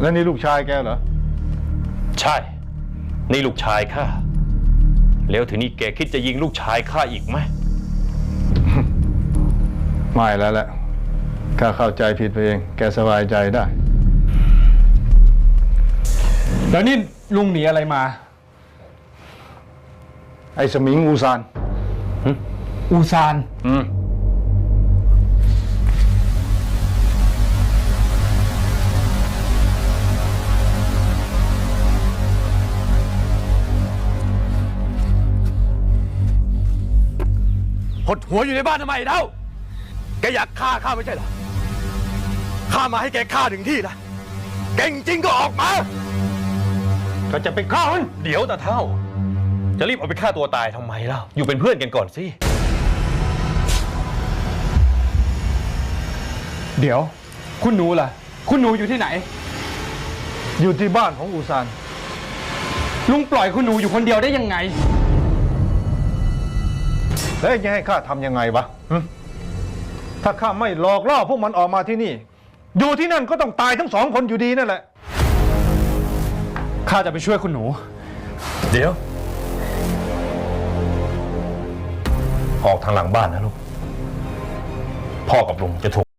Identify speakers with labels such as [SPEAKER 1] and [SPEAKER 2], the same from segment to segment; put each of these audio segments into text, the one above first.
[SPEAKER 1] แล้วนี่ลูกชายแกเหรอ
[SPEAKER 2] ใช่นี่ลูกชายข้าแล้วทีนี้แกคิดจะยิงลูกชายข้าอีกไหม
[SPEAKER 1] ไม่แล้วแหละข้าเข้าใจผิดไปเองแกสบายใจได้
[SPEAKER 3] แล้วนี่ลุงหนีอะไรมา
[SPEAKER 1] ไอ้สมิงอูซาน
[SPEAKER 3] อูซาน
[SPEAKER 2] หดหัวอยู่ในบ้านทำไมเล่าแกอยากฆ่าข้าไม่ใช่เหรอข้ามาให้แกฆ่าถึงที่นะเก่งจริงก็ออกมาก็จะไปฆ่ามันเดี๋ยวตาเท่าจะรีบเอาไปฆ่าตัวตายทำไมเล่าอยู่เป็นเพื่อนกันก่อนสิ
[SPEAKER 3] เดี๋ยวคุณหนูล่ะคุณหนูอยู่ที่ไหน
[SPEAKER 1] อยู่ที่บ้านของอูซาน
[SPEAKER 3] ลุงปล่อยคุณหนูอยู่คนเดียวได้ยังไง
[SPEAKER 1] แล้วจะให้ข้าทำยังไงวะถ้าข้าไม่หลอกล่อพวกมันออกมาที่นี่อยู่ที่นั่นก็ต้องตายทั้งสองคนอยู่ดีนั่นแหละ
[SPEAKER 3] ข้าจะไปช่วยคุณหนู
[SPEAKER 2] เดี๋ยวออกทางหลังบ้านนะลูกพ่อกับลุงจะถูก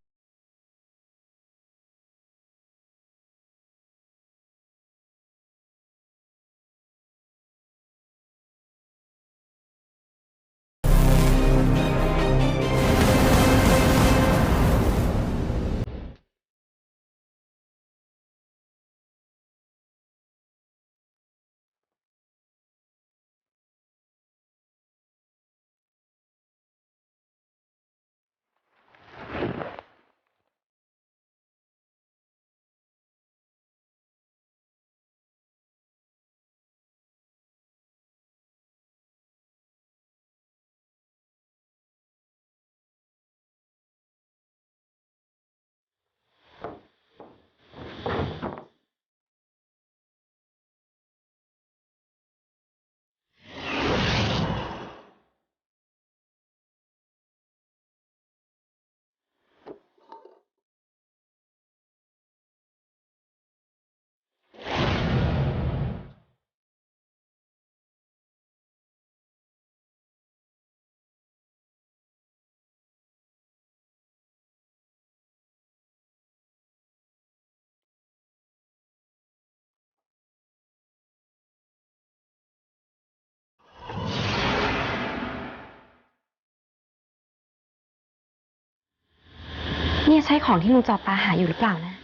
[SPEAKER 4] เนี่ยใช่ของที่ลุงจอปาหาอยู่หรือเปล่านะ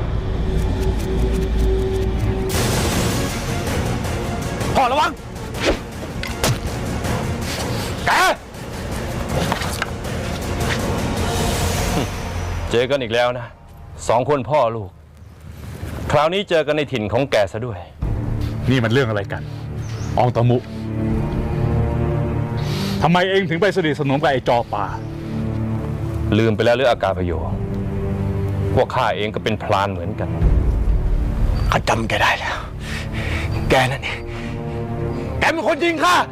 [SPEAKER 2] พ่อระวังแกเจอกันอีกแล้วนะสองคนพ่อลูกคราวนี้เจอกันในถิ่นของแกซะด้วย
[SPEAKER 5] นี่มันเรื่องอะไรกันอองตะมุทำไมเองถึงไปสนิทสนมกับไอ้จอปา
[SPEAKER 2] ลืมไปแล้วหรืออากาพโยพวกข้าเองก็เป็นพรานเหมือนกันข้าจำแกได้แล้วแกนั่นเองแกเป็นคนยิงข้า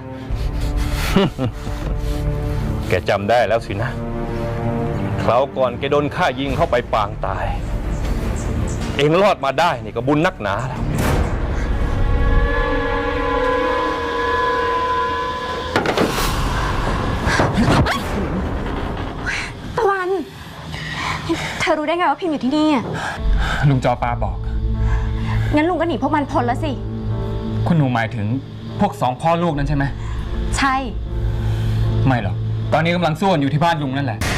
[SPEAKER 2] แกจำได้แล้วสินะคราวก่อนแกโดนข้ายิงเข้าไปปางตายเองรอดมาได้นี่ก็บุญนักหนาแล้ว
[SPEAKER 4] ตะวันเธอรู้ได้ไงว่าพิมพ์อยู่ที่นี่อ่ะ
[SPEAKER 3] ลุงจอปาบอก
[SPEAKER 4] งั้นลุงก็หนีพวกมันพ้นแล้วสิ
[SPEAKER 3] คุณหนูหมายถึงพวกสองพ่อลูกนั้นใช่ไหม
[SPEAKER 4] ใช่
[SPEAKER 3] ไม่หรอกตอนนี้กำลังสู้กันอยู่ที่บ้านลุงนั่นแหละ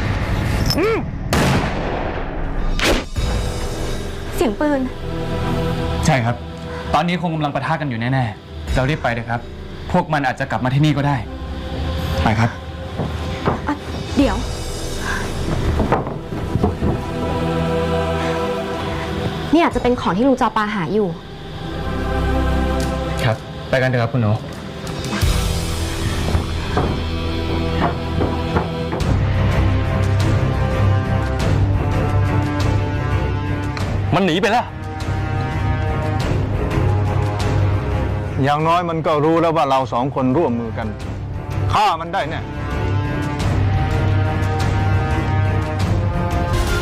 [SPEAKER 4] เสียงปืน
[SPEAKER 3] ใช่ครับตอนนี้คงกำลังปะทะกันอยู่แน่ๆเรารีบไปเลยครับพวกมันอาจจะกลับมาที่นี่ก็ได้ไปครับ
[SPEAKER 4] เดี๋ยวนี่อาจจะเป็นของที่ลุงจอปาหาอยู่
[SPEAKER 3] ครับไปกันเถอะครับคุณหนู
[SPEAKER 2] มันหนีไปแล้ว
[SPEAKER 1] อย่างน้อยมันก็รู้แล้วว่าเราสองคนร่วมมือกันฆ่ามันได้แน่